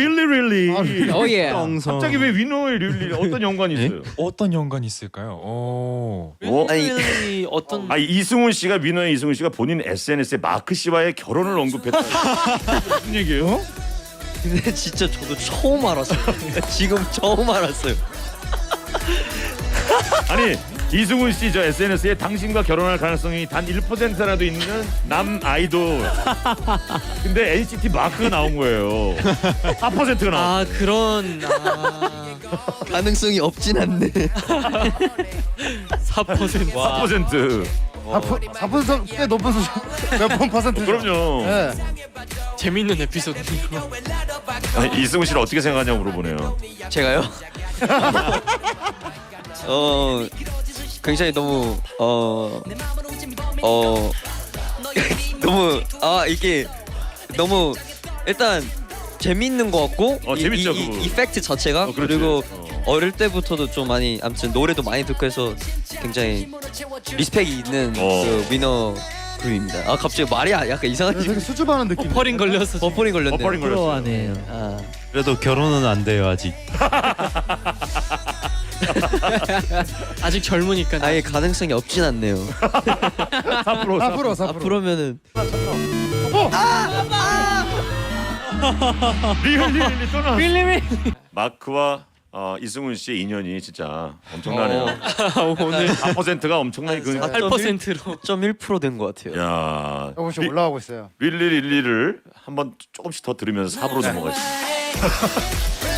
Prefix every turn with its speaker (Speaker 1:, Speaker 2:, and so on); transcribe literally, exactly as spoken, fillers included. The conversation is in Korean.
Speaker 1: really really.
Speaker 2: 오 예.
Speaker 1: 갑자기 왜 위너의 really 어떤 연관이 있어요?
Speaker 3: 어떤 연관이 있을까요? 오.
Speaker 1: 어?
Speaker 4: 아니 어떤
Speaker 1: 아 이승훈 씨가 위너의 이승훈 씨가 본인 에스엔에스에 마크 씨와의 결혼을 언급했다. 무슨 얘기예요?
Speaker 4: 근데 진짜 저도 처음 알았어요. 지금 처음 알았어요.
Speaker 1: 아니 이승훈 씨 저 에스엔에스에 당신과 결혼할 가능성이 단 일 퍼센트라도 있는 남 아이돌. 근데 엔시티 마크가 나온 거예요. 사 퍼센트가 나왔어.
Speaker 5: 아 그런 아,
Speaker 4: 가능성이 없진 않네.
Speaker 5: 사 퍼센트.
Speaker 1: 사 퍼센트.
Speaker 6: 사 퍼센트 꽤 높은 수준. 몇번 퍼센트?
Speaker 1: 그럼요.
Speaker 6: 네.
Speaker 5: 재밌는 에피소드네요.
Speaker 1: 아니, 이승훈 씨를 어떻게 생각하냐고 물어보네요.
Speaker 4: 제가요? 어 굉장히 너무 어 어 너무 아 이게 너무 일단 재밌는 것 같고
Speaker 1: 어,
Speaker 4: 이,
Speaker 1: 재밌죠,
Speaker 4: 이,
Speaker 1: 그거.
Speaker 4: 이 이펙트 자체가
Speaker 1: 어, 그렇지.
Speaker 4: 그리고
Speaker 1: 어.
Speaker 4: 어릴 때부터도 좀 많이 아무튼 노래도 많이 듣고 해서 굉장히 리스펙이 있는
Speaker 1: 어.
Speaker 4: 그 위너 그룹입니다. 아 갑자기 말이 약간 이상하지.
Speaker 6: 되게 수줍어하는 느낌.
Speaker 5: 버퍼링 걸려서 지금.
Speaker 4: 버퍼링 걸렸네.
Speaker 1: 버퍼링 걸렸어요.
Speaker 4: 아.
Speaker 7: 그래도 결혼은 안 돼요 아직.
Speaker 5: 아직 젊으니까.
Speaker 4: 아예 가능성이 없진 않네요.
Speaker 1: 사 퍼센트.
Speaker 6: 사 퍼센트 사 퍼센트.
Speaker 4: 앞으로면은
Speaker 1: 리얼 리얼 또 나왔어. 마크와 어, 이승훈 씨의 인연이 진짜 엄청나네요.
Speaker 5: 오늘
Speaker 1: 사 퍼센트가 엄청나게 그.
Speaker 5: 팔 퍼센트로.
Speaker 4: 점 일 퍼센트 된 것 같아요.
Speaker 1: 야.
Speaker 6: 조금씩 올라가고 있어요.
Speaker 1: 릴리 릴리를 한번 조금씩 더 들으면서 사 부로 넘어가겠습니다.